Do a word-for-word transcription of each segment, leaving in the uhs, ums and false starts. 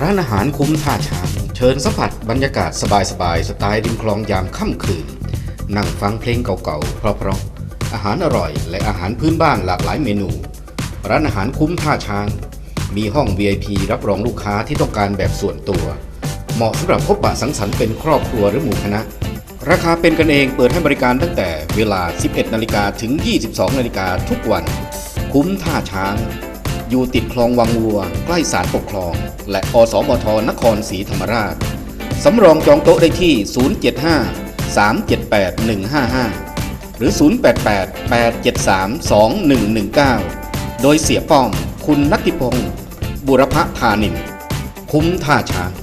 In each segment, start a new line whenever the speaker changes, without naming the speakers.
านอาหารคุ้มท่าช้างเชิญสัมผัสบรรยากาศสบายๆสไตล์ริมคลองยามค่ำคืนนั่งฟังเพลงเก่าๆเพราะๆอาหารอร่อยและอาหารพื้นบ้านหลากหลายเมนูร้านอาหารคุ้มท่าช้างมีห้อง วี ไอ พี รับรองลูกค้าที่ต้องการแบบส่วนตัวเหมาะสำหรับพบปะสังสรรค์เป็นครอบครัวหรือหมู่คณะราคาเป็นกันเองเปิดให้บริการตั้งแต่เวลา สิบเอ็ดนาฬิกา ถึง ยี่สิบสองนาฬิกาทุกวันคุ้มท่าช้างอยู่ติดคลองวังวัวใกล้ศาลปกครองและอสมทนครศรีธรรมราชสำรองจองโต๊ะได้ที่ ศูนย์ เจ็ด ห้า สาม เจ็ด แปด หนึ่ง ห้า ห้า หรือ ศูนย์ แปด แปด แปด เจ็ด สาม สอง หนึ่ง หนึ่ง เก้า โดยเสียป้อมคุณณัฐิพงศ์บุรพธานินคุ้มท่าช้าง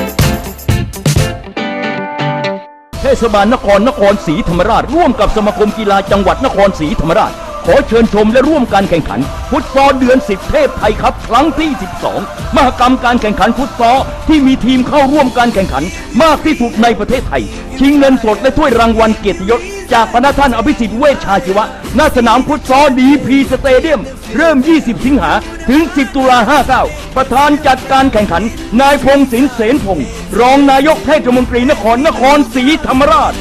เทศบาลนครนครศรีธรรมราชร่วมกับสมาคมกีฬาจังหวัดนครศรีธรรมราชขอเชิญชมและร่วมการแข่งขันฟุตซอลเดือนสิบเทพไทยครับครั้งที่สิบสองมหกรรมการแข่งขันฟุตซอลที่มีทีมเข้าร่วมการแข่งขันมากที่สุดในประเทศไทยชิงเงินสดและถ้วยรางวัลเกียรติยศจากพระท่านอภิสิทธิ์เวชชาชีวะณสนามฟุตซอลดีพีสเตเดียมเริ่มยี่สิบสิงหาถึงสิบตุลาห้าสิบเก้าประธานจัดการแข่งขันนายพงศินเสนพงศ์รองนายกเทศมนตรีนครนครศรีธรรมราช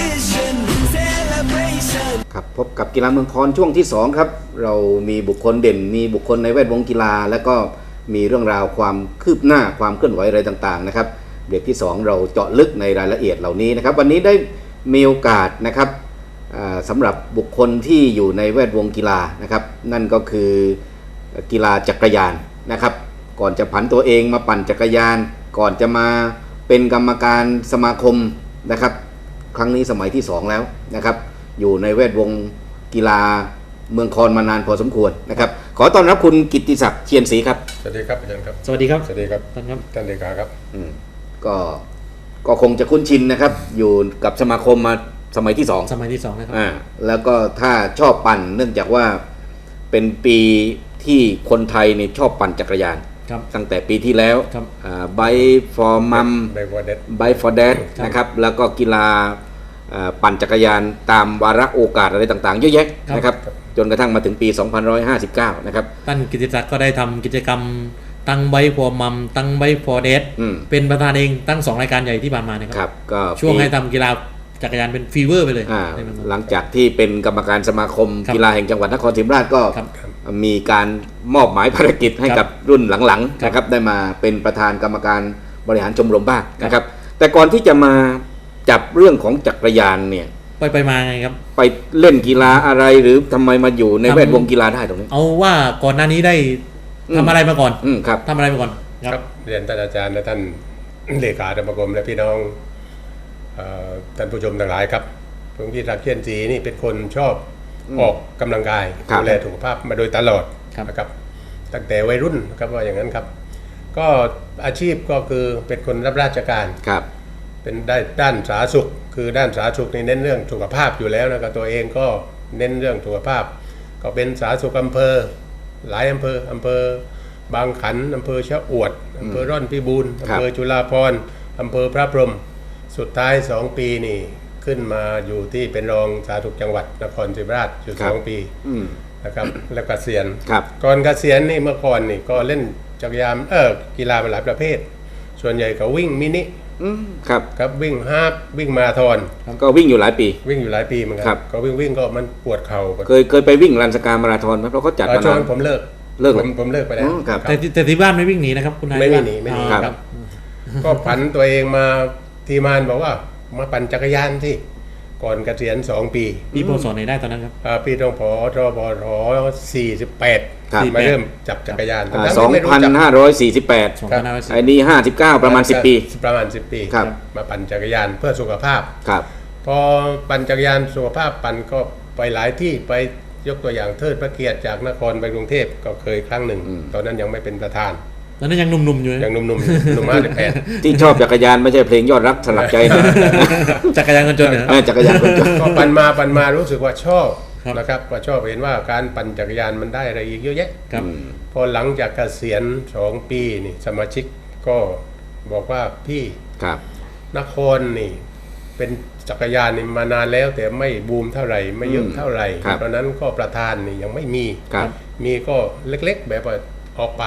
ครับพบกับกีฬาเมืองคอนช่วงที่สองครับเรามีบุคคลเด่นมีบุคคลในแวดวงกีฬาและก็มีเรื่องราวความคืบหน้าความเคลื่อนไหวอะไรต่างๆนะครับเบรกที่สองเราเจาะลึกในรายละเอียดเหล่านี้นะครับวันนี้ได้มีโอกาสนะครับสำหรับบุคคลที่อยู่ในแวดวงกีฬานะครับนั่นก็คือกีฬาจักรยานนะครับก่อนจะผันตัวเองมาปั่นจักรยานก่อนจะมาเป็นกรรมการสมาคมนะครับครั้งนี้สมัยที่สองแล้วนะครับอยู่ในแวดวงกีฬาเมืองคอนมานานพอสมควรนะครับขอต้อนรับคุณกิตติศักดิ์เชียนศรีครับ
สวัสดีครับอาจารย์ครับ
สวัสดีครับ
สวัสดีครับ
ท่านครับ
ท่านเลขาครับ
อืมก็ก็คงจะคุ้นชินนะครับอยู่กับสมาคมมาสมัยที่สอง
สมัยที่สองนะครับ
อ่าแล้วก็ถ้าชอบปั่นเนื่องจากว่าเป็นปีที่คนไทยเนี่ยชอบปั่นจักรยานตั้งแต่ปีที่แล้วไบค์ฟอร์มัมไบค์ฟอร์เดดนะครับแล้วก็กีฬาปั่นจักรยานตามวาระโอกาสอะไรต่างๆเยอะแยะนะครับจนกระทั่งมาถึงปีสองพันหนึ่งร้อยห้าสิบเก้านะครับ
ท่านกิตติศักดิ์ก็ได้ทำกิจกรรมตั้งไบค์ฟอร์มัมตั้งไบค์ฟอร์เดดเป็นประธานเองตั้งสองรายการใหญ่ที่ผ่านมานะครับก็ช่วงให้ทำกีฬาจักรยานเป็นฟีเวอร์ไปเลย
หลังจากที่เป็นกรรมการสมาคมกีฬาแห่งจังหวัดนครศรีธรรมราชก็มีการมอบหมายภารกิจให้กับรุ่นหลังๆนะครับได้มาเป็นประธานกรรมการบริหารชมรมบ้างนะครับแต่ก่อนที่จะมาจับเรื่องของจักรยานเนี่ย
ไปไปมาไงครับ
ไปเล่นกีฬาอะไรหรือทำไมมาอยู่ในแวดวงกีฬาได้ตรงนี้
เอาว่าก่อนหน้านี้ได้ทำอะไรมาก่อน
ครับ
ทำอะไรมาก่อน
ครับเรียนท่านอาจารย์และท่านเลขาสมาคมและพี่น้องท่านผู้ชมทั้งหลายครับผมพี่รักเชียนศรีนี่เป็นคนชอบออกกำลังกายดูแลสุขภาพมาโดยตลอดนะครับตั้งแต่วัยรุ่นครับว่าอย่างนั้นครับก็อาชีพก็คือเป็นคนรับราชการ
ครับ
เป็นได้ด้านสาธารณสุขคือด้านสาธารณสุขนี่เน้นเรื่องสุขภาพอยู่แล้วนะครับตัวเองก็เน้นเรื่องสุขภาพก็เป็นสาธารณสุขอำเภอหลายอำเภออำเภอบางขันอำเภอชะอวดอำเภอร่อนพิบูลอำเภอจุฬาภรณ์อำเภอพระพรหมสุดท้ายสองปีนี่ขึ้นมาอยู่ที่เป็นรองสาธารณสุขจังหวัดนครศรีธรรมราชอยู่สองปีนะครับแล้วก็เกษียณก่อนเกษียณนี่เมื่อก่อนนี่ก็เล่นจักรยานเออกีฬาหลายประเภทส่วนใหญ่ก็วิ่งมินิ
ครับ
ครับวิ่งฮาล์ฟวิ่งมาราธอน
ก็วิ่งอยู่หลายปี
วิ่งอยู่หลายปีเหมือนกันก็วิ่งวิ่งก็มันปวดเข่า
เคยเคยไปวิ่งรันสกามาราธอนไหมเพราะเขาจัด
มาช่วงผมเลิก
เลิก
ผมผมเลิกไปแล้ว
แต่แต่ที่บ้านไม่วิ่งหนีนะครับคุณนาย
ไม่วิ่งหนีไม่หนีครับก็ผันตัวเองมาทีมานบอกว่ามาปั่นจักรยานที่ก่อนเกษียณสองปี
ปีพศไหนได้ตอนนั้นครับ
ปีตรงพศบศสี่สิบแปดมาเริ่มจับจักรยาน
สองพันห้าร้อยสี่สิบแปดไอ้นี่ห้าสิบเก้าประมาณสิบปี
ประมาณสิบปีมาปั่นจักรยานเพื่อสุขภาพ
ครับ
พอปั่นจักรยานสุขภาพปั่นก็ไปหลายที่ไปยกตัวอย่างเทิดพระเกียรติจากนครไปกรุงเทพก็เคยครั้งหนึ่งตอนนั้นยังไม่เป็นประธาน
ตอนนั้นยังหนุ่มๆอยู่
ยังหนุ่มๆหนุ่มมากเลยแพท
ที่ชอบจักรยานไม่ใช่เพลงยอดรักสลักใจนะ
จักรยานคนจนเหรอ
จักรยานคนจน
ก็ปั่นมาปั่นมารู้สึกว่าชอบนะครับว่าชอบเห็นว่าการปั่นจักรยานมันได้อะไรอีกเยอะแยะพอหลังจากเกษียณสองปีนี่สมาชิกก็บอกว่าพี่นครนี่เป็นจักรยานนี่มานานแล้วแต่ไม่บูมเท่าไหร่ไม่เยอะเท่าไหร่เพราะนั้นก็ประธานนี่ยังไม่มีมีก็เล็กๆแบบว่าออกปาก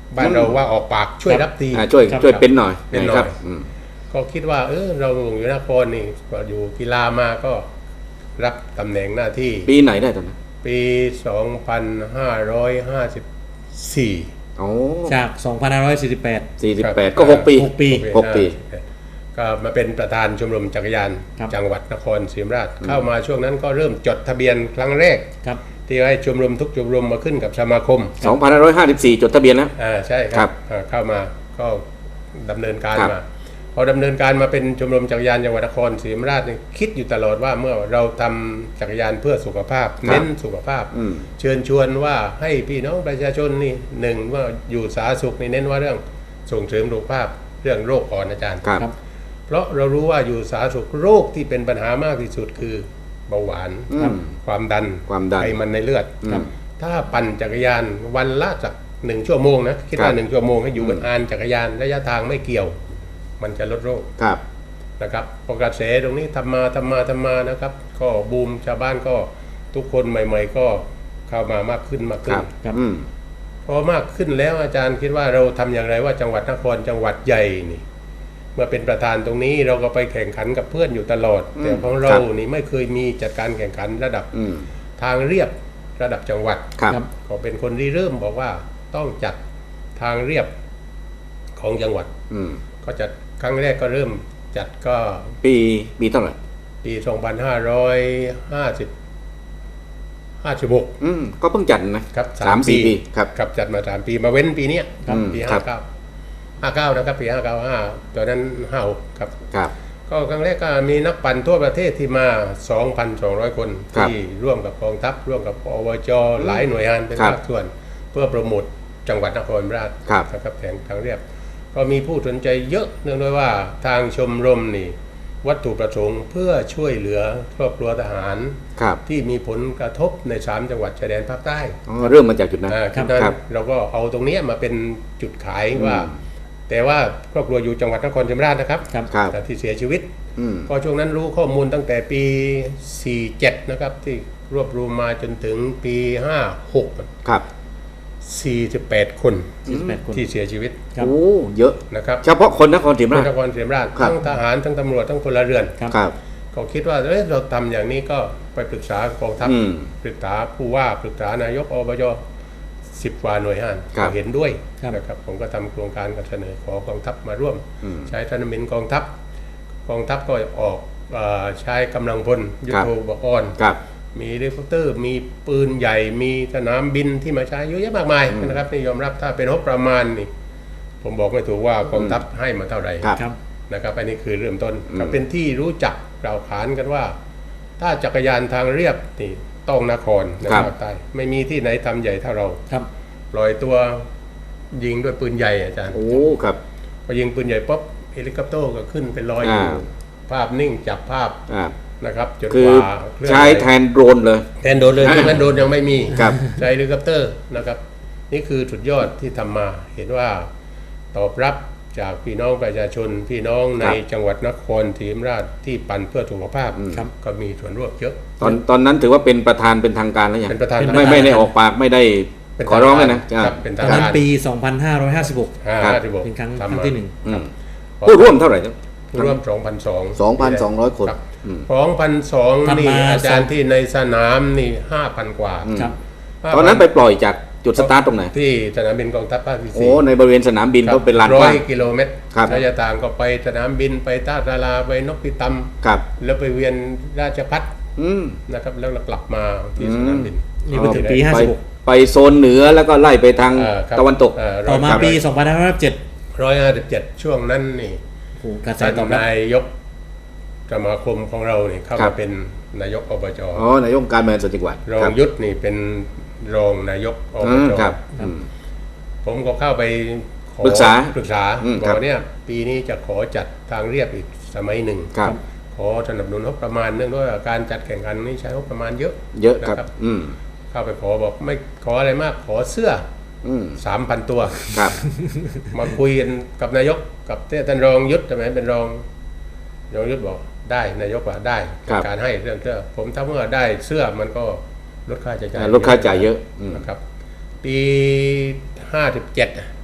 บ้านเราว่าออกปากช่วยรับที
อ่าช่วยช่วยเป็นหน่อย
เป็นหน่อย
ครับอืม
ก็คิดว่าเออเราอยู่นครนี่ก็อยู่กีฬามาก็รับตำแหน่งหน้าที่
ปีไหนได้ตอนนั้น
ปี สองพันห้าร้อยห้าสิบสี่
โอ้
จาก สองพันห้าร้อยสี่สิบแปด
สี่สิบแปดก็หกปี
หกปี
หกปี
ก็มาเป็นประธานชมรมจักรยาน
ครับ
จังหวัดนครศรีธรรมราชเข้ามาช่วงนั้นก็เริ่มจดทะเบียนครั้งแรก
ครับ
ที่ให้ชมรมทุกชมรมมาขึ้นกับสมาคม
สองพันห้าร้อยห้าสิบสี่จดทะเบียนแล้ว
อ่าใช่ค
ครั
รับบ อ่าเข้ามาก็ดำเนินการ
ครับ
มาพอดำเนินการมาเป็นชมรมจักรยานจังหวัดนครศรีธรรมราชนี่คิดอยู่ตลอดว่าเมื่อเราทำจักรยานเพื่อสุขภาพ เน้นสุขภาพ
อืม
เชิญชวนว่าให้พี่น้องประชาชนนี่หนึ่งว่าอยู่สาธารณสุขนี่เน้นว่าเรื่องส่งเสริมสุขภาพเรื่องโรคอ่อนอาจารย์
ครับ
ครับ
เพราะเรารู้ว่าอยู่สาธารณสุขโรคที่เป็นปัญหามากที่สุดคือเบาหวาน
อืม
ความดัน
ความดัน
ไขมันในเลือด
ครับ
ถ้าปั่นจักรยานวันละจากหนึ่งชั่วโมงนะคิด
ครั
ว่า
บ
หนึ่งชั่วโมงให้อยู่บนอานจักรยานระยะทางไม่เกี่ยว มันจะลดโรค
ครับ
นะครับพอกระแสตรงนี้ทำมาทำมาทำมานะครับ ก็บูมชาวบ้านก็ทุกคนใหม่ ๆ ก็เข้ามามากขึ้นมาก
ค
ขึ้
รั
น
บ
ครับ
อืม
พอมากขึ้นแล้วอาจารย์คิดว่าเราทำอย่างไรว่าจังหวัดนครจังหวัดใหญ่นี่เมื่อเป็นประธานตรงนี้เราก็ไปแข่งขันกับเพื่อนอยู่ตลอด
อืม
แต่ของเรา
ครับ
นี่ไม่เคยมีจัดการแข่งขันระดับ
อืม
ทางเรียบระดับจังหวัด
ครับ
ครับ
ก็เป็นคนที่เริ่มบอกว่าต้องจัดทางเรียบของจังหวัด
อืม
ก็จัดครั้งแรกก็เริ่มจัดก็
ปีปีเท่าไหร่
ปี สองพันห้าร้อยห้าสิบ ห้าสิบหก
อืมก็เพิ่งจัดนะครับ
สาม
สามสี่
ปี
ปีครับ
ครับจัดมาสามปีมาเว้นปีเนี้ย
ครับ
ปี
ครั
ห้า
บ
เก้าห้าเก้านะครับปีห้าเก้าห้าตอนนั้นห้าหกครับ
ครับ
ก็ครั้งแรกก็มีนักปั่นทั่วประเทศที่มา สองพันสองร้อย คน
ครับ
ที่ร่วมกับกองทัพร่วมกับอบจหลายหน่วยงานเป็น
ครับ
ภาคส่วน เพื่อโปรโมทจังหวัดนครราช
ครับ
นะครับแข่งทางเรียบ ก็มีผู้สนใจเยอะเนื่องด้วยว่าทางชมรมนี่วัตถุประสงค์เพื่อช่วยเหลือครอบครัวทหาร
ครับ
ที่มีผลกระทบในสามจังหวัดชายแดนภาคใต้
อ๋อเริ่มมาจากจุดนั้น
อ่า
ครั
จุ
บ
ดนั้น
ครับ
เราก็เอาตรงเนี้ยมาเป็นจุดขายว่า
อืม
แต่ว่าครอบครัวอยู่จังหวัดนครศรีธรรมราชนะครับ
ครับ
ครับ
แต่ที่เสียชีวิต
อืม
ก็ช่วงนั้นรู้ข้อมูลตั้งแต่ปี สี่เจ็ด นะครับ ที่รวบรวมมาจนถึงปี ห้าหก
ครับ
สี่สิบแปด คน
สี่สิบแปดคน
ที่เสียชีวิต
ครับ
โอ้เยอะ
นะครับ
เฉพาะคนนครศรีธรรม
ใน
ราช
นครศรีธรรมราช
ครับ
ทั้งทหารทั้งตำรวจทั้งพลเรือน
ครับ
ครับ
ก็คิดว่าเอ้ยเราทำอย่างนี้ก็ไปปรึกษากองทัพ
อืม
ปรึกษาผู้ว่าปรึกษานายกอบจสิบกว่าหน่วยงาน
ครับ
ก็เห็นด้วย
ครับ
นะครับผมก็ทำโครงการกับเสนอขอกองทัพมาร่วม
อืม
ใช้ธนมินกองทัพ กองทัพก็ออกเอ่อใช้กำลังพลยุท
ครับ
โธปกรณ์
ครับ
มีเฮลิคอปเตอร์ มีปืนใหญ่ มีสนามบินที่มาใช้เยอะแยะมากมาย
อืม
นะครับนี่ยอมรับถ้าเป็นงบประมาณนี่ผมบอกไม่ถูกว่ากองทัพให้มาเท่าไหร่
ครับ
ครับ
นะครับอันนี้คือเริ่มต้น
อืม
ก็เป็นที่รู้จักกล่าวขานกันว่า ถ้าจักรยานทางเรียบนี่ต้องนครในภาคใต้ไม่มีที่ไหนทำใหญ่เท่าเรา
ครับ
ปล่อยตัวยิงด้วยปืนใหญ่อาจารย์
โอ้ครับ
พอยิงปืนใหญ่ปุ๊บเฮลิคอปเตอร์ก็ขึ้นเป็นร้อยอยู่
อ่า
ภาพนิ่งจับภาพ
อ่า
นะครับจน
คื
ก
อ
ว่าเคลื่อน
ใช้
ไหว
แทนโดรนเลย
แทนโดรนเลยช่วงนั้นโดรนยังไม่มี
ครับ
ใช้เฮลิคอปเตอร์นะครับ นี่คือสุดยอดที่ทำมาเห็นว่าตอบรับจากพี่น้องประชาชน พี่น้องใน
ครับ
จังหวัดนครศรีธรรมราชที่ปั่นเพื่อสุขภาพ
ครับ
ก็มีส่วนร่วมเยอะ
ตอนตอนนั้นถือว่าเป็นประธานเป็นทางการแล้วยัง
เป็นประธาน
ไม่ไม่ได้ออกปากไม่ได้
เป็น
ขอร้องเลยนะ
ครับเป็น
ต
ทา
อง นนั้น
การ
ปี สองพันห้าร้อยห้าสิบหก
ห้า
ครับ
สิบหก
เป็นครั้งค
ทำ
รั้ง
มา
ที่หนึ่ง
อืมผู้ร่วมเท่าไหร่ครับ
ผู้ร่วมสองพันสอง
สองพันสองร้อยคน อืม
สองพันสอง
ทำมา
นี่อาจารย์
สอง
ที่ในสนามนี่ห้าพันกว่า
ครับ
ตอนนั้นไปปล่อยจากจุดสตาร์ทตรงไหน
ที่สนามบินกองทัพภาคที่
โอ้
สี่
ในบริเวณสนามบินก็เป็นลานก
ร้อ
ว้าย ง
กิโลเมตร
ครับ
ระยะทางก็ไปสนามบินไปท่าตาราไปนกพิตำ
ครับ
แล้วไปเวียนราชพัฒ
อืม
นะครับแล้วเรากลับมาที่สนามบิน
นี่ไปถึงปี
ไป
ห้าสิบหก
ไปโซนเหนือแล้วก็ไล่ไปทาง
เอ่อครับ
ตะวันตก
เอ่อ
ต่อมา
ร้ย
ปี สองพันห้าร้อยเจ็ด
ร้อยห้าสิบเจ็ดช่วงนั้นนี่
โอ้โหกระแส
ท่าน
ตอบรับ
นายกสมาคมของเราเนี่ยเข้า
ครั
มา
บ
เป็นนายกอบจ
อ๋อนายกการเมืองส่วนจังหวัด
รอง
ครับ
ยุทธนี่เป็นรองนายกอบ
อืม
จ
ครับอืม
ผมก็เข้าไปขอ
ปรึกษา
ปรึกษา
อืม
บอ
ครั
ก
บ
ว่าเนี่ยปีนี้จะขอจัดทางเรียบอีกสมัยหนึ่ง
ครับ
ขอสนับสนุนงบประมาณเนื่องด้วยว่าการจัดแข่งขันนี้ใช้งบประมาณเยอะ
เยอะครับ
นะ
อืม
เข้าไปขอบอกไม่ขออะไรมากขอเสื้อ
อืม
สามพันตัว
ครับ
มาคุยกันกับนายกกับท่านรองยุทธใช่ไหมเป็นรองรองยุทธบอกได้นายกว่าได้
ครับ
การให้เรื่องเสื้อผมถ้าเมื่อได้เสื้อมันก็ลดค่าใช้จ่าย
อ่าลดค่าใช้จ่ายเยอะอืม
นะครับ ปีห้าสิบเจ็ด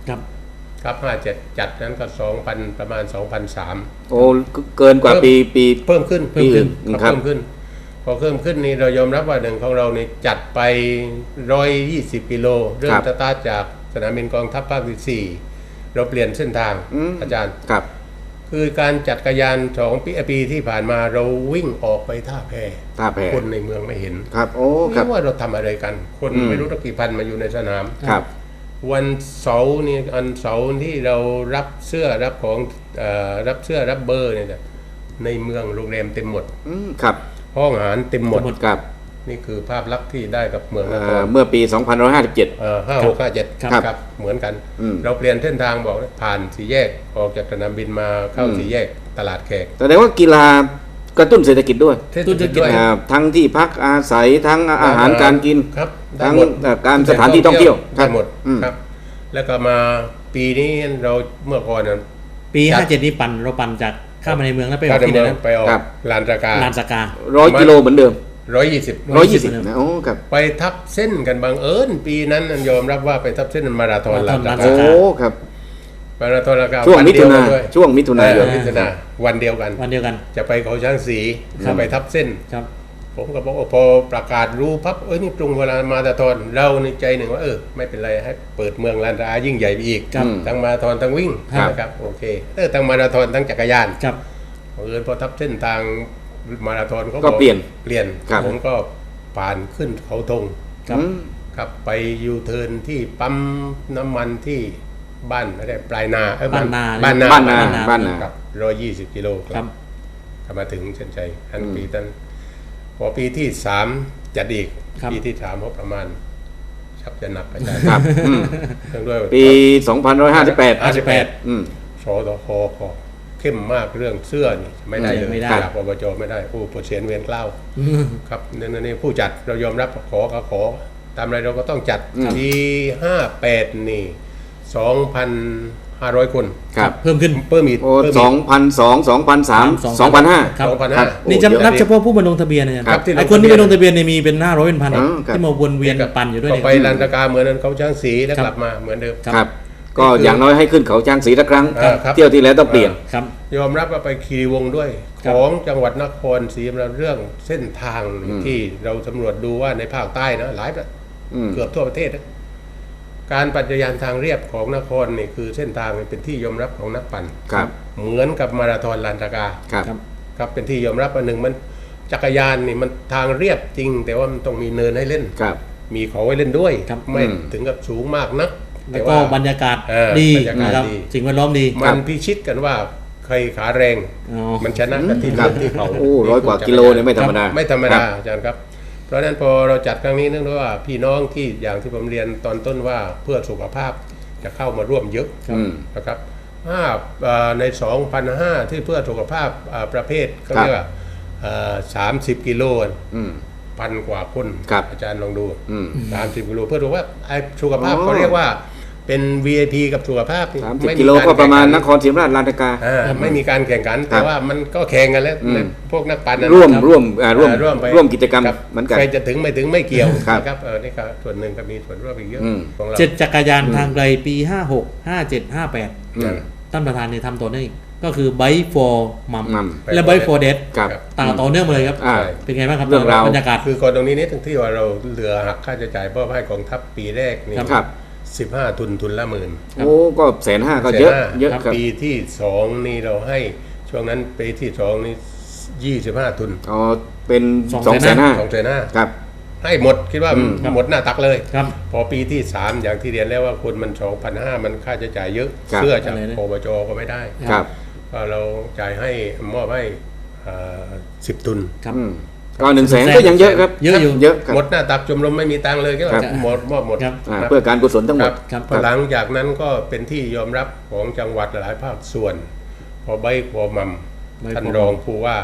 ครับ
ครับห้าเจ็ดจัดนั้นก็สองพันประมาณสองพันสาม
โอ้เกินกว่าปีปี
เพิ่มขึ้น
เพิ่มขึ้น
ครับเพิ่มขึ้นพอเพิ่มขึ้นนี่เรายอมรับว่าหนึ่งของเรานี่จัดไปร้อยยี่สิบกิโลเริ่มสตาร์ทจากสนามบินกองทัพภาคที่สี่เราเปลี่ยนเส้นทางอาจารย์
ครับ
คือการจัดจักรยานสองปีปีที่ผ่านมาเราวิ่งออกไปท่าแพ
ท่าแพ
คนในเมืองไม่เห็น
ครับโอ้ครับ
ไม่ว่าเราทำอะไรกัน คน
อืม
ไม่รู้ตั้งกี่พันมาอยู่ในสนาม
ครับ
วันเสาร์นี่อันเสาร์ที่เรารับเสื้อรับของเอ่อรับเสื้อรับเบอร์เนี่ยนะในเมืองโรงแรมเต็มหมด
อืมครับ
ห้องอาหารเต็มหมด
ครับ
นี่คือภาพลักษณ์ที่ได้กับเมืองน
เอ่
ค
อ
ร
เมื่อปีสองพันหนึ่งร้อยห้าสิบเจ็ด
ห้าหกห้าเจ็ด
ครับ
ครับเหมือนกัน
อืม
เราเปลี่ยนเส้นทางบอกนะผ่านสี่แยกออกจากสนามบินมาเข้า
อืม
สี่แยกตลาดแขก
แสดงว่ากีฬากระตุ้นเศรษฐกิจด้วย
เทศกิจด้วย
อ่าทั้งที่พักอาศัยทั้งอาหารการกิน
ครับได้
ทั้ง
หมด
เอ่อการสถานที่ท่องเที่ยว
ได้หมด
อืม
ครับ แล้วก็มาปีนี้เราเมื่อก่อนน่ะ
ปี
จัด
ห้าเจ็ดนี่ปั่นเราปั่นจากข้ามมาในเมืองแล้วไปออ
เข้าก ใน
ที่ไห
เมื
น
อง
นะ
ไปออก
ครับ
ลานตะการ
ลานสกา
ร้อยกิโลเหมือนเดิม
ร้อยยี่สิบ
ร้อยยี่สิบนะโอ้ครับ
ไปทับเส้นกันบังเอิญปีนั้นยอมรับว่าไปทับเส้นมาราธอนลานตะ
โอ้
การ
ครับ
มาราธอนลานตะการ
ช่วง
น
มิ
เดี
ถุ
ย
นา
ด้วย
ช่วงมิถุนายน
เออมิถุนาวันเดียวกัน
วันเดียวกัน
จะไปเขาช้างสี
ครับ
ไปทับเส้น
ครับ
ผมก็บอกว่าพอประกาศรู้พับเอ้ยนี่ตรงเวลามาราธอนเราในใจหนึ่งว่าเออไม่เป็นไรให้เปิดเมืองลานตะการยิ่งใหญ่ไปอีก
ครับ
ทั้งมาราธอนทั้งวิ่ง
ครับ
นะครับโอเคเออทั้งมาราธอนทั้งจักรยาน
ครับ
เออพอทับเส้นทางมาราธอนเขา
ก็
บอก
เปลี่ยน
เปลี่ยน
ครับ
ผมก็ผ่านขึ้นเขาธง
ครับ
อืม
ครับไปยูเทิร์นที่ปั๊มน้ำมันที่บ้านอะไรปลายนาเอ้ย
บ้านนา
บ้านนา
บ้านนาบ้านนา
ครับร้อยยี่สิบกิโลค
ครั
รับบ กลับมาถึงเส้นชัยอันปีนั้นพอปีที่สามจัดอีก
ครับ
ปีที่สามพอประมาณชักจะหนักไปได้
ครับอืม
เนื่องด้วย
ปีสองพันหนึ่งร้อยห้าสิบแปด
ห้าสิบแปด
อืม
สตคขอเข้มมากเรื่องเสื้อนี่ไม่ได้เลย
ไม่ได้
จากอบจไม่ได้ผู้ปวดเสียนเวียนเกล้าครับนี่นนี่ผู้จัดเรายอมรับขอก็ขอ ตามอะไรเราก็ต้องจัด
อืม
ปีห้าแปดนี่สองพันห้าร้อยคน
ครับ
เพิ่มขึ้น
เพิ่มอีก
โอ้
เพิ่ม
ส
อี
อก งพันสองสองพันสามสองพันห้า
ครับ
สองพัน
ครั
ห้า
บ
นี่
โอ้
จะ
เยอะ
นับเฉพาะผู้มาลงทะเบียนนะ
ครับที่ลง
ไอ้คนที่ไป
ทะเบียน
ลงทะเบียนเนี่ยมีเป็นห้าร้อยเป็นพัน
อ๋อครับ
ที่มาวนเวียนปั่นอยู่ด้วย
พอ
เนี่ย
ไปลานตะการเหมือนนั้นเขาช่างสีแล้ว
ครับ
กลับมาเหมือนเดิม
ครับ ก็อย่างน้อยให้ขึ้นเขาจ้างสีละครั้ง
อ่าครับ
เที่ยวที่แล้วต้องเปลี่ยน
ครับ
ยอมรับว่าไปคีรีวงศ์ด้วย
ครั
ข
บ
องจังหวัดนครศรีธรรมราชเรื่องเส้นทาง
อืม
ที่เราสำรวจดูว่าในภาคใต้นะหลายประ
อืม
เกือบทั่วประเทศนะการปั่นจักรยานทางเรียบของนครนี่คือเส้นทางเป็นที่ยอมรับของนักปั่น
ครับ
เหมือนกับมาราธอนลานตะกา
ครับ
ครับ
ครับเป็นที่ยอมรับอันหนึ่งมันจักรยานนี่มันทางเรียบจริง แต่ว่ามันต้องมีเนินให้เล่น
ครับ
มีเขาไว้เล่นด้วย
ครับ
ไม่
อืม
ถึงกับสูงมากนัก
แล้วก็บรรยากาศ
เออ
ดี
บรรยากาศ
นะครับ
ดี
สิ่งแวดล้อมดี
มันพิชิตกันว่าใครขาแรง
อ๋อ
มันชนะกันที่
ครับ
ที่เขา
โอ้ร้อยกว่ากิโลเนี่ยไม่ธรรมดา
ไม่ธรรม
ค
ดา
บ
อาจารย์ครับ เพราะฉะนั้นพอเราจัดครั้งนี้เนื่องด้วยว่าพี่น้องที่อย่างที่ผมเรียนตอนต้นว่าเพื่อสุขภาพจะเข้ามาร่วมเยอะ
อืม
นะครับห้าเอ่อใน สองพันห้าร้อย ที่เพื่อสุขภาพอ่าประเภทเขา
ครับ
เรียกว่าสามสิบกิโล
อืม
พันกว่าคน
ครับ
อาจารย์ลองดู
อืม
สามสิบกิโลเพื่อดูว่าไอ้สุขภาพ
อ๋อ
เขาเรียกว่าเป็น วี ไอ พี กับสุขภาพนี่
สามสิบ
ไม่
กิโลก็ประมาณน
ก
ครศรีธรรมราชลานตะกา
อ่าไม่มีการแข่งขัน
ครั
แต่
บ
ว่ามันก็แข่งกันแล้ว
อืม
ในพวกนักปั่นนะ
ร่วม
คบ
ร่วมอ่าร่วม
อ่าร่วมไป
ร่วมกิจกรรม
ครับ
เหมือนกัน
ใครจะถึงไม่ถึงไม่เกี่ยว
ครับ
นะครับเออนี่ก็ส่วนหนึ่งก็มีส่วนร่วมอีกเยอะ
อืม
ของเรา
เจ็ดจักรยานทางไกลปีห้าหก ห้าเจ็ด ห้าแปด
อืม
ท่านประธานเนี่ยทำต่อเนื่องอีกก็คือ Bike for Mum
Mum
และ Bike for Dad
ครับ
ต่างต่อเนื่องมาเลยครับ
อ่า
เป็นไงบ้างครับ
เรื่องราว
บรรยากาศ
คือก่อนตรงนี้นิดนึงที่ว่าเราเหลือหักค่าใช้จ่ายเพื่อให้กองทัพปีแรกนี่
ครับ
สิบห้าทุนทุนละหมื่น
โอ้ก็แสนห้าก็เยอะ
แสนห้า
เยอะครับ
ปีที่สองนี่เราให้ช่วงนั้นปีที่สองนี่ยี่สิบห้าทุน
อ๋อเป็น
สอง
สองแสนห้า
สองแสนห้า
ครับ
ให้หมดคิดว่า
อืม
หมดหน้าตักเลย
ครับ
พอปีที่สามอย่างที่เรียนแล้วว่าคนมันสองพันห้ามันค่าใช้จ่ายเยอะ
ครับ
เสื้อจาก
อะไรนะ
ปปจก็ไม่ได้
ครับ
ก็เราจ่ายให้มอบให้สิบทุน
ครับ
อืมก็หนึ่งแสนก็ยังเยอะครับ
เยอะอยู่
เยอะครับ
หมดหน้าตักชมรมไม่มีตังค์เลยก็
ครับ
หมดมอบหมด
ครับ
อ่า
ครับ
เพื่อการกุศลทั้งหมด
ครับ
พอหลังจากนั้นก็เป็นที่ยอมรับของจังหวัดหลายภาคส่วน พอใบพอมัม
ใบ
ท่าน
พอมัม
รองผู้ว่าม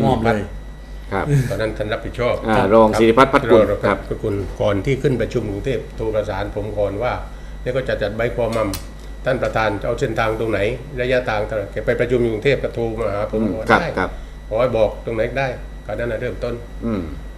อบเลย
ครับ
ตอนนั้นท่านรับผิดชอบ
อ่ารองศิริพัฒน์พัฒกุล
รอง
ครับ
พัฒกุลก่อนที่ขึ้นประชุมกรุงเทพโทรประสานผมก่อนว่าเนี่ยก็จะจัดใบพอมัมท่านประธานจะเอาเส้นทางตรงไหน ระยะทางเท่าไหร่แกไปประชุมอยู่กรุงเทพก็โทรมาหาผม
อืม
บอก
ครับ
ได้
ครับ
ขอให้บอกตรงไหนได้ก็นั่นนะเริ่มต้น
อืม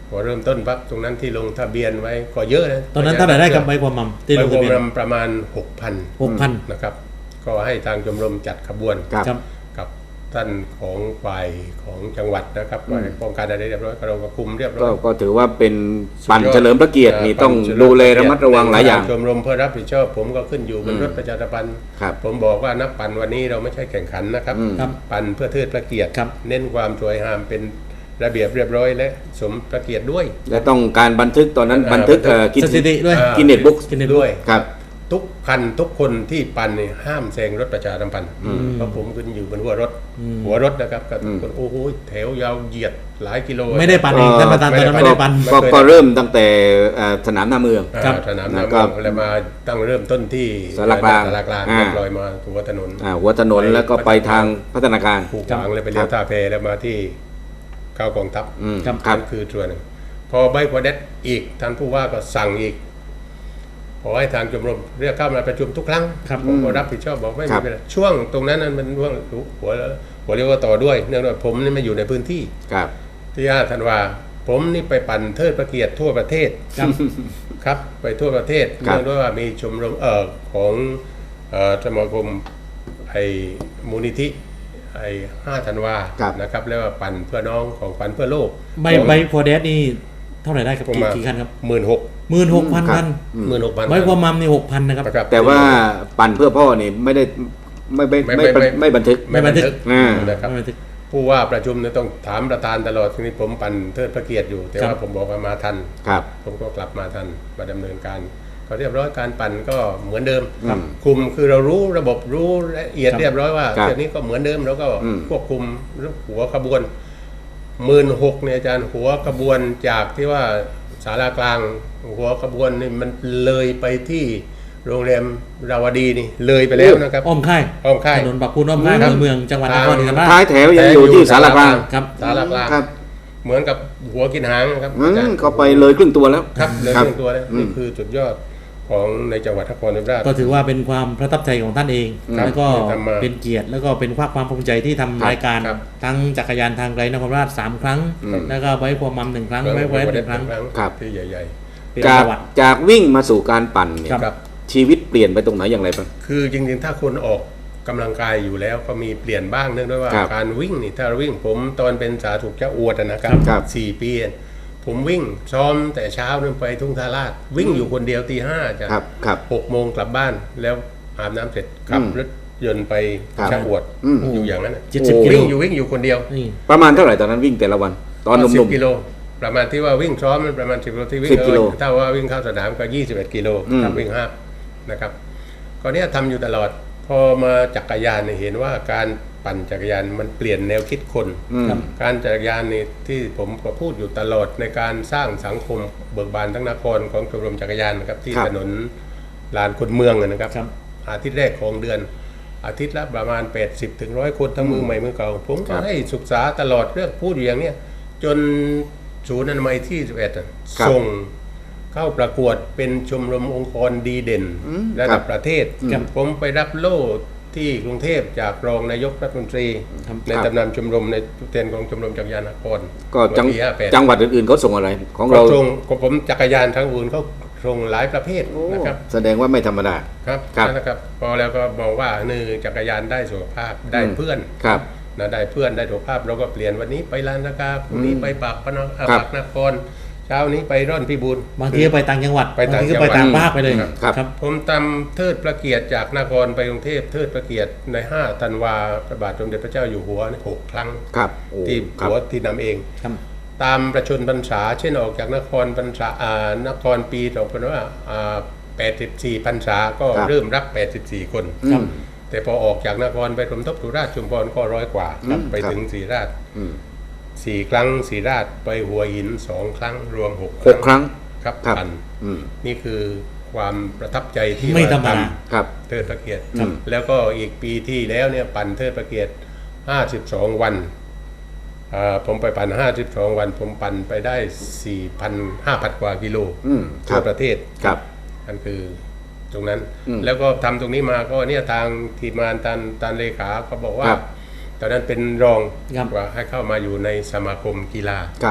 พอเริ่มต้นปั๊บตรงนั้นที่ลงทะเบียนไว้ก็เยอะนะ
ตอนนั้นเท่าไหร่ได้กับใบความมั่มที่
ใบ
ลง
ค
ทะ
วาม
เบียน
มั่มประมาณ หกพัน
หกพัน
นะครับก็ให้ทางชมรมจัดขบวน
ครับ
ครับ
กับท่านของฝ่ายของจังหวัดนะครับฝ่ายป้องกันอะไรเรียบร้อยเราก็คุมเรียบร้อ
ก็
ย
ก็ถือว่าเป็นปั่น
สุดยอด
เฉลิมพระเกียรตินี่ต้องดูแลระมัดระวังหลายอย่าง
ชมรมเพื่อรับผิดชอบผมก็ขึ้นอยู่บนรถประชาสัมพันธ์
ครับ
ผมบอกว่านักปั่นวันนี้เราไม่ใช่แข่งขันนะครับ
ครับ
ปั่นเพื่อเทิดพระเกียรติ
ครับ
เน้นความสวยงามเป็นระเบียบเรียบร้อยและสมพระเกียรติด้วย
และต้องการบันทึกตอนนั้น
อ่า
บันทึก
บันทึก
เอ่อกิน
สถิติด้วย
อ่า
กินเน็ตบุ๊ก
กินเน็ต
ด้วย
ครับ
ทุกคันทุกคนที่ปั่นเนี่ยห้ามแซงรถประชาสัมพันธ์เพราะผมขึ้นอยู่บนหัวรถ หัวรถนะครับกับทุกคนโอ้โหแถวยาวเหยียดหลายกิโล
ไม่ได้ปั่นเองท่านประธานตอนนั้นไม่ได้ปั่น
ก็ก็เริ่มตั้งแต่เอ่อสนามหน้าเมือง
อ่า
ครับ
สนามหน้า
แล้วก็
เมืองแล้วมาตั้งเริ่มต้นที่
สารกลาง
สารกลาง
อ่า
เรียบร้อยมาหัวถนน
อ่าหัวถนนแล้วก็ไปทางพัฒนาการ
ผูกขวางเลยไปเลี้ยวท่าแพแล้วมาที่เข้ากองทัพ
อืม
ครับ
ครับ
นั่นคือส่วนหนึ่งพอใบพอเด็ดอีกท่านผู้ว่าก็สั่งอีกขอให้ทางชมรมเรียกเข้ามาประชุมทุกครั้ง
ครับ
ผมก็รับผิดชอบบอกไม่
ครั
มี
บ
ปัญหาช่วงตรงนั้นนั้นมันช่วงหัวหัวเรียกว่าต่อด้วยเนื่องจากผมนี่ไม่อยู่ในพื้นที่
ครับ
ที่ห้าธันวาผมนี่ไปปั่นเทิดพระเกียรติทั่วประเทศ
ครับ
ครับไปทั่วประเทศ
ครับ
เนื่องด้วยว่ามีชมรมเอ่อของเอ่อสมาคมไอ้มูลนิธิไอ้ห้าธันวา
ครับ
นะครับแล้วว่าปั่นเพื่อน้องของปั่นเพื่อโลก
ใบใบพอแดดนี่เท่าไหร่ได้ครับ
ผม
กี่
มา
กี่คันครับ
หมื่นหก
หมื่นหกพัน
ครับ
คัน
หมื่นหกพัน
ใบความมั่มนี่หกพันนะครับ
นะครับ
แต่ว่าปั่นเพื่อพ่อนี่ไม่ได้ไม่ไม่
ไม่
ไม่
ไม่
ไม่ไม่บันทึก
ไม่บันทึก
อ่า
นะครับ
ไม่บันทึก
ผู้ว่าประชุมเนี่ยต้องถามประธานตลอดทีนี้ผมปั่นเทิดพระเกียรติอยู่ แต่
ครั
ว่า
บ
ผมบอกว่ามาทัน
ครับ
ผมก็กลับมาทันมาดำเนินการก็เรียบร้อยการปั่นก็เหมือนเดิม
ครับ
คุมคือเรารู้ระบบรู้ละเอียด
ครับ
เรียบร้อยว่า
ครับ
เที่ยวนี้ก็เหมือนเดิมแล้วก็
อืม
ควบคุมหัวขบวนหมื่นหกเนี่ยอาจารย์หัวขบวนจากที่ว่าศาลากลางหัวขบวนนี่มันเลยไปที่โรงแรมราวดีนี่เลยไปแล้วนะครับ
อ้อมค่าย
อ้อมค่าย
ถนนปากพูนอ้อมค่าย
ครับ
เมืองจังหวัดนครศรีธรรมราช
ท้ายแถวยังอยู่ที่สารกลาง
ครับ
ศาลากลาง
ครับ
เหมือนกับหัวกินหางนะครับ
อื
อาจาร
ม
ย์
เขาไปเลยครึ่งตัวแล้ว
ครับเลย
ครับ
เรื่องตัวแล้ว
อืม
นี่คือจุดยอดของในจังหวัดนครศรีธรรมราช
ก็ถือว่าเป็นความประทับใจของท่านเอง
ครับ
แล้วก็
ที่ทำมา
เป็นเกียรติแล้วก็เป็นความความภูมิใจที่ทำรายการ
ครับ
ทั้งจักรยานทางไกลนครราชสามครั้ง
อืม
แล้วก็ไว้ความมั่มหนึ่งครั้งไว้ไว้หนึ่งครั้ง
ครับ
ที่ใหญ่
เป็น
จาก
ประวัติ
จากวิ่งมาสู่การปั่นเนี่ย
ๆครับ
ชีวิตเปลี่ยนไปตรงไหนอย่างไรบ้าง
คือจริงๆ ถ้าคนออกกำลังกายอยู่แล้วก็มีเปลี่ยนบ้างเนื่องด้วยว่า
ครับ
การวิ่งนี่ถ้าวิ่งผมตอนเป็นสาธุเจ้าอวดนะครับ
ครับ
สี่ปี ผมวิ่งซ้อมแต่เช้านึงไปทุ่งทาราชวิ่งอยู่คนเดียวตีห้าจ้ะ
ครับครับ
หกโมงกลับบ้านแล้วอาบน้ำเสร็จขับ
อืม
รถยนต์ไป
ครับ
ชะอวด
อืม
อยู่อย่างนั้นน่ะ
เจ็ดสิบ
โอ้
กิโล
วิ่งอยู่วิ่งอยู่คนเดียว
นี่
ประมาณเท่าไหร่ตอนนั้นวิ่งแต่ละวัน ตอนห
สิ
นุ่
บ
ม
กิโลประมาณที่ว่าวิ่งซ้อมมันประมาณสิบกิโลที่วิ่ง
สิบกิโล
ถ้าว่าวิ่งเข้าสนามก็ยี่สิบเอ็ดกิโล
อืม
ครับวิ่งห้านะครับก็เนี้ยทำอยู่ตลอด พอมาจักรยานเนี่ยเห็นว่าการปั่นจักรยานมันเปลี่ยนแนวคิดคน
ๆอืม
การจักรยานนี่ที่ผมก็พูดอยู่ตลอดในการสร้างสังคมเบิกบานทั้งนครของชมรมจักรยานนะครับที่
ครับ
ถนนลานคนเมืองอะนะครับ
ครับ
อาทิตย์แรกของเดือน อาทิตย์ละประมาณ แปดสิบถึงหนึ่งร้อย คนทั้งมือใหม่มือเก่า ผม
ครั
ก็
บ
ให้ศึกษาตลอดเรื่องพูดอยู่อย่างเนี้ยจนศูนย์อนามัยที่สิบเอ็ดอะ
ครับ
ส่งเข้าประกวดเป็นชมรมองค์กรดีเด่น
อืม
ระ
ครั
ดั
บบ
ประเทศ
ครับ
ผมไปรับโล่ที่กรุงเทพจากรองนายกรัฐมนตรี
ครับ
ในตำนานชมรมในตัวแทนของชมรมจักรยานนคร
ก็จัง
วันที่ห้าแปด
จังหวัดอื่นๆเขาส่งอะไรของ
ก็
เรา
ส่งก็ผมจักรยานทั้งอื่นเขาส่งหลายประเภท
โอ้
นะครับ
แสดงว่าไม่ธรรมดา
ครับ
ครับ
นะครับพอแล้วก็บอกว่าหนึ่งจักรยานได้สุขภาพได้
อืม
เพื่อน
ครับ
นะได้เพื่อนได้สุขภาพเราก็เปลี่ยนวันนี้ไปลานนาคาพรุ่งนี้ไปปากพนังอ่า
ครับ
ปากนครเช้านี้ไปร่อนพิบูล
บางทีก็ไปต่างจังหวัด
ไปต่าง
บางทีก็
จังหวั
ไป
ด
ต่างภาคไปเลย
ครับ
ครับ
ผมทำเทิดพระเกียรติจากนครไปกรุงเทพเทิดพระเกียรติในห้าธันวาพระบาทสมเด็จพระเจ้าอยู่หัวเนี่ยหกครั้ง
ครับโอ้
ที่
ครับ
หัวที่นำเอง
ครับ
ตามประชนพรรษาเช่นออกจากนครพรรษาอ่านครปีสองพันว่าอ่าแปดสิบสี่พรรษาก็
ครับ
เริ่มรับแปดสิบสี่คน
อืม
แต่พอออกจากนครไปสมทบสุราษฎร์ชุมพรก็ร้อยกว่า
ครับ
ไปถึงศรีราช
อืม
สี่ครั้งศรีราชไปหัวหินสองครั้งรวมหก
หกครั้ง
ครับ
ครับ
ปั่น
อืม
นี่คือความประทับใจที่
ไม่ธรรมดา
ท
ครับ
ำเทิดพระเกียรติ
ครับ
แล้วก็อีกปีที่แล้วเนี่ยปั่นเทิดพระเกียรติห้าสิบสองวันอ่าผมไปปั่นห้าสิบสองวัน ผมปั่นไปได้สี่พันห้าพันกว่ากิโล
อืมค
ทั่
รั
ว
บ
ประเทศ
ครับ
นั่นคือตรงนั้น
อืม
แล้วก็ทำตรงนี้มาก็เนี่ยทางทีมงานตันตันเลขาเขาบอกว่า
ครับ
ตอนนั้นเป็นรอง
ครับ
ว่าให้เข้ามาอยู่ในสมาคมกีฬา
ครับ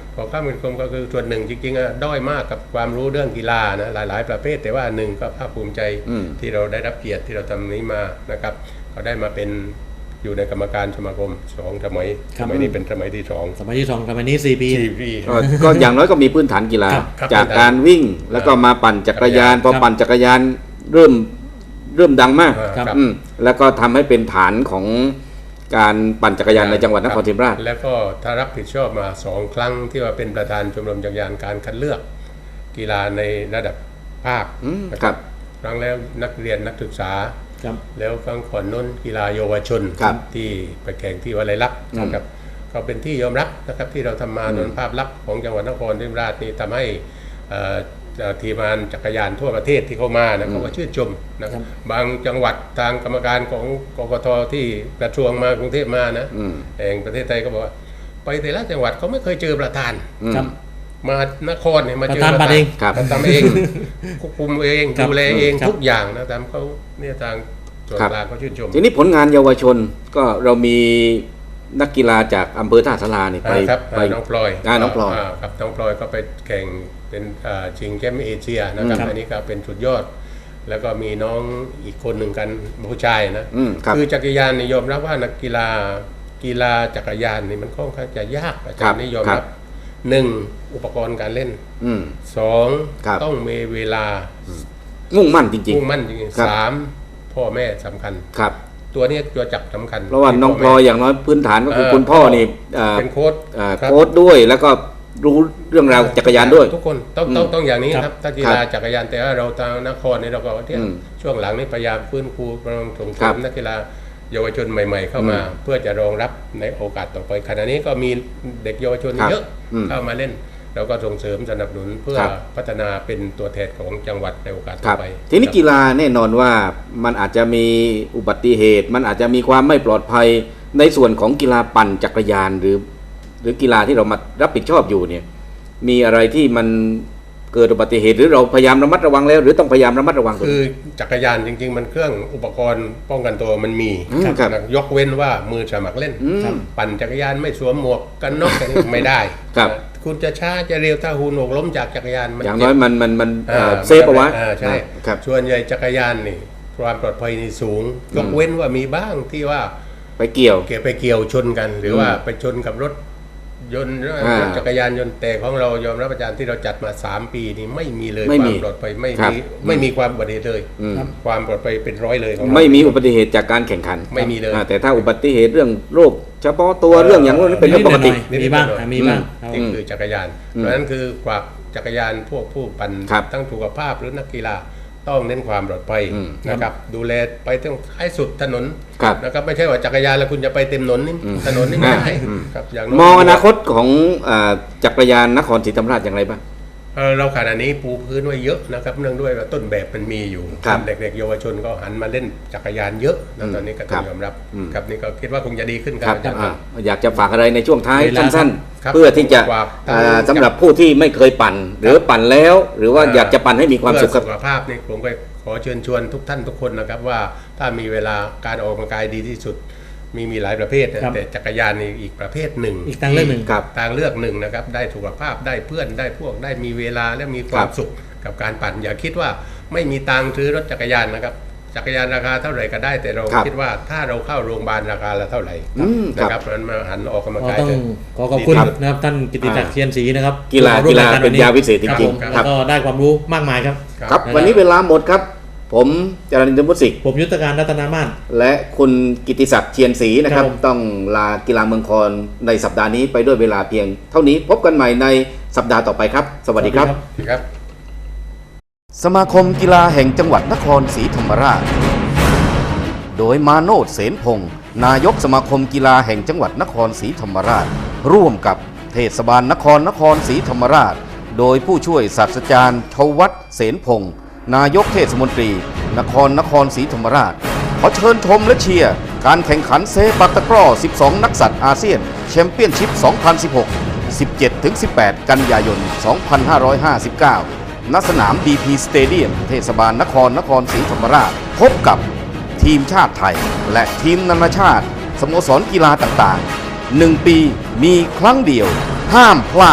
ของข้ามสังคมก็คือส่วนหนึ่งจริงๆอะด้อยมากกับความรู้เรื่องกีฬานะหลายๆ ประเภทแต่ว่าหนึ่งก็ภาคภูมิใจที่เราได้รับเกียรติที่เราทำนี้มานะครับเขาได้มาเป็นอยู่ในกรรมการสมาคมสองสมัยสมัยนี้เป็นสมัยที่สอง
สมัยที่สองสมัยนี้สี่ปี
สี่ปี
ก็ก็อย่างน้อยก็มีพื้นฐานกีฬา
ครับ
ครับ
จากการวิ่งแล้วก็มาปั่นจักรยานพอ
ครับ
ปั่นจักรยานเริ่มเริ่มดังมาก
ครับ
อืมแล้วก็ทำให้เป็นฐานของการปั่นจักรยานในจังหวัดนครศรีธรรมราช
แล้วก็ถ้ารับผิดชอบมาสองครั้งที่ว่าเป็นประธานชมรมจักรยานการคัดเลือกกีฬาในระดับภาค
อืม
นะครับ ครั้งแล้วนักเรียนนักศึกษา
ครับ
แล้วครั้งก่อนน้นกีฬาเยาวชน
ครับ
ที่ไปแข่งที่วลัยลักษณ์นะครับก็เป็นที่ยอมรับนะครับที่เราทำมาโดยภาพลักษณ์ของจังหวัดนครศรีธรรมราชนี่ทำให้เอ่อเอ่อทีมงานจักรยานทั่วประเทศที่เข้ามานะเขาก็ชื่นชมนะครับบางจังหวัดทางกรรมการของกกทที่กระทรวงมากรุงเทพมานะ
อืม
แห่งประเทศไทยก็บอกว่าไปแต่ละจังหวัดเขาไม่เคยเจอประธาน
ครับ
มานครเนี่ยมาเจอ
ประธานบัตรเอง
ครับ
ทำเองควบคุมเอง
ครับ
ดูแลเอง
ครับ
ทุกอย่างนะตามเขาเนี่ยทางส่วน
ครับ
กลางเขาชื่นชม
ทีนี้ผลงานเยาวชนก็เรามีนักกีฬาจากอำเภอท่าสารานี่ไป
อ่าครับ
ไป
อ่าน้องพลอย
อ่าน้องพลอย
าครับน้องพลอยก็ไปแข่งเป็นอ่าชิงแชมป์เอเชียนะครับ
ครับ
อันนี้ก็เป็นสุดยอด แล้วก็มีน้องอีกคนหนึ่งกันผู้ชายนะ
อืมครับ
อจักรยานนี่ยอมรับว่านักกีฬากีฬาจักรยานนี่มันค่อนข้างจะยากอาจารย์นี่ยอม
ครั
รับบ หนึ่งอุปกรณ์การเล่น
อืม
สอง
ครับ
ต้องมีเวลา
มุ่งมั่นจริง
มุ่งมั่นจริง
ครับ
ๆสามพ่อแม่สำคัญ
ๆ ครับ
ตัวนี้ตัวจับสำคัญ
เพราะว่าน้องพลอยอย่างน้อยพื้นฐานก็คือ
เอ่อ
คุณพ่อนี่เอ่อ
เป็นโค้ช
เอ่อ
ครับ
โค้ชด้วยแล้วก็รู้เรื่องราวจักรยานด้วย
ทุกคนต้องต้องต้องอย่างนี้
ครับ
ครับถ้ากีฬาจักรยานแต่ว่าเราทางนครนี่เราก็เนี่ย
อืม
ช่วงหลังนี่พยายามฟื้นฟูกำลังส่งเส
ครั
ริ
บ
มนักกีฬาเยาวชนใหม่ ๆ เข้ามา เพื่อจะรองรับในโอกาสต่อไปขณะนี้ก็มีเด็กเยาวชน
ครับ
เยอะ
อืม
เข้ามาเล่น เราก็ส่งเสริมสนับสนุนเพื่อ
ครับ
พัฒนาเป็นตัวแทนของจังหวัดในโอกาส
ค
ต่
รั
อบ ไป
ทีนี้กีฬาแน่นอนว่ามันอาจจะมีอุบัติเหตุ มันอาจจะมีความไม่ปลอดภัยในส่วนของกีฬาปั่นจักรยานหรือ หรือกีฬาที่เรามารับผิดชอบอยู่เนี่ยมีอะไรที่มันเกิดอุบัติเหตุ หรือเราพยายามระมัดระวังแล้ว หรือต้องพยายามระมัดระวังตัว
คือจักรยานจริง ๆ มันเครื่องอุปกรณ์ป้องกันตัวมันมี
อืมครับ
นะยกเว้นว่ามือสมัครเล่น
อืม
ปั่นจักรยานไม่สวมหมวกกันน็อกอันนี้ไม่ได้
ครับ
นะคุณจะช้าจะเร็วถ้าหูหนวกล้มจากจักรยานมัน
อย่าง
เจ็บ
น้อยมันมันมันเอ่อ
อ่า
เซฟเอาไว้
อ่าใช่
ครับ
ส่วนใหญ่จักรยานนี่ความปลอดภัยนี่สูงยกเว้นว่ามีบ้างที่ว่า
ไปเกี่ยว
เกี่ยวไปเกี่ยวชนกัน หรือว่าไปชนกับรถยนต์
อ่าร
ถจักรยานยนต์แต่ของเรายอมรับอาจารย์ที่เราจัดมาสามปีนี่ไม่มีเลย
ไม่
ควา
มี
มปลอดภัยไม่
ครับ
มีไม่มีความอุบัติเหตุเลย
อืม
ความปลอดภัยเป็นร้อยเลยของเรา
ไม่มีอุบัติเหตุจากการแข่งขัน
ไม่มีเลย
อ่าแต่ถ้าอุบัติเหตุเรื่องโรคเฉพาะตัวเรื่องอย่างนั้นเป็นเรื่องปกติ
นิดๆหน่อยๆมีบ้างอ่ะมีบ้างครับ
นี่คือจักรยาน
อืม
เพราะฉะนั้นคือฝากจักรยานพวกผู้ปั่น
ครับ
ทั้งสุขภาพหรือนักกีฬาต้องเน้นความปลอดภัย
อืม
นะครับดูแลไปตั้งให้สุดถนน
ครับ
นะครับไม่ใช่ว่าจักรยานแล้วคุณจะไปเต็มถนนนี่ถนนนี่ไม่ได้
อืม
ครับอย่าง
มองอนาคตของอ่าจักรยานนครศรีธรรมราชอย่างไรบ้าง
เอ่อเราขณะนี้ปูพื้นไว้เยอะนะครับเนื่องด้วยว่าต้นแบบมันมีอยู่
ครับ
เด็กๆเยาวชนก็หันมาเล่นจักรยานเยอะนะตอนนี้ก็ต้อ
ครั
ง
บ
ยอมรับ
อืม
ครับนี่ก็คิดว่าคงจะดีขึ้นค
ค
รั
รั
บบ อาจารย์ค
อ่า
รับ
อยากจะฝากอะไรในช่วงท้าย
เวลา
สั้น
ครับ
ๆ เพื่อที่จะ
ฝาก
อ่า
ทาง
สำหรับผู้ที่ไม่เคยปั่น หรือปั่นแล้ว หรือว่าอยากจะปั่นให้มีความสุขครับ
เพื่อสุขภาพนี่ผมก็ขอเชิญชวนทุกท่านทุกคนนะครับว่าถ้ามีเวลาการออกกำลังกายดีที่สุด มีมีหลายประเภทนะครับ แต่จักรยานนี่อีกประเภทหนึ่ง
อีกทางเลือกหนึ่ง
ครับ
ทางเลือกหนึ่งนะครับได้สุขภาพได้เพื่อนได้พวกได้มีเวลาและมีควา
ค
ม
รับ
สุขกับการปั่น อย่าคิดว่าไม่มีตังค์ซื้อรถจักรยานนะครับจักรยานราคาเท่าไหร่ก็ได้แต่เรา
ครับ
คิดว่าถ้าเราเข้าโรงพยาบาลราคาละเท่าไหร่
อืม
นะครับเพราะฉะนั้นมาหันออกกำลัง
ก็
กาย
ต้อง
เถอะ
ขอขอบคุณ
ดีครับ
นะครับท่านกิติศักดิ์เชียนศรีนะครับ
กีฬา
ที่มร่วม
กีฬา
ร
เป็นยาวิเศษจ
ครับ
ริง
ผม
ๆ
แล้วก็ได้ความรู้มากมายครับ
ครับ
นะครับ
วันนี้เวลาหมดครับ ผมจรัญญมุสิก
ผมยุทธการรัตนามาศ
และคุณกิติศักดิ์เชียนศรีนะครับ
ครับผม
ต้องลากีฬาเมืองคอนในสัปดาห์นี้ไปด้วยเวลาเพียง เท่านี้พบกันใหม่ในสัปดาห์ต่อไปครับ สวัสดีครับ
ครับ
สมาคมกีฬาแห่งจังหวัดนครศรีธรรมราช โดยมาโนชเสนพงศ์นายกสมาคมกีฬาแห่งจังหวัดนครศรีธรรมราช ร่วมกับเทศบาลนครนครศรีธรรมราช โดยผู้ช่วยศาสตราจารย์ทวัฒน์เสนพงศ์นายกเทศมนตรี นครนครศรีธรรมราช ขอเชิญชมและเชียร์การแข่งขันเซปักตะกร้อ สิบสอง นักสัตว์อาเซียนแชมเปี้ยนชิพ สองพันสิบหก สิบเจ็ดถึงสิบแปด กันยายน สองพันห้าร้อยห้าสิบเก้า ณ สนาม บี พี Stadium เทศบาลนครนครศรีธรรมราช พบกับทีมชาติไทย และทีมนานาชาติ สโมสรกีฬาต่างๆ หนึ่ง ปีมีครั้งเดียว ห้ามพลาด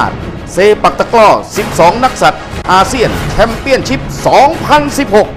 เซปักตะกร้อ สิบสอง นักสัตว์อาเซียนแชมเปี้ยนชิพ สองพันสิบหก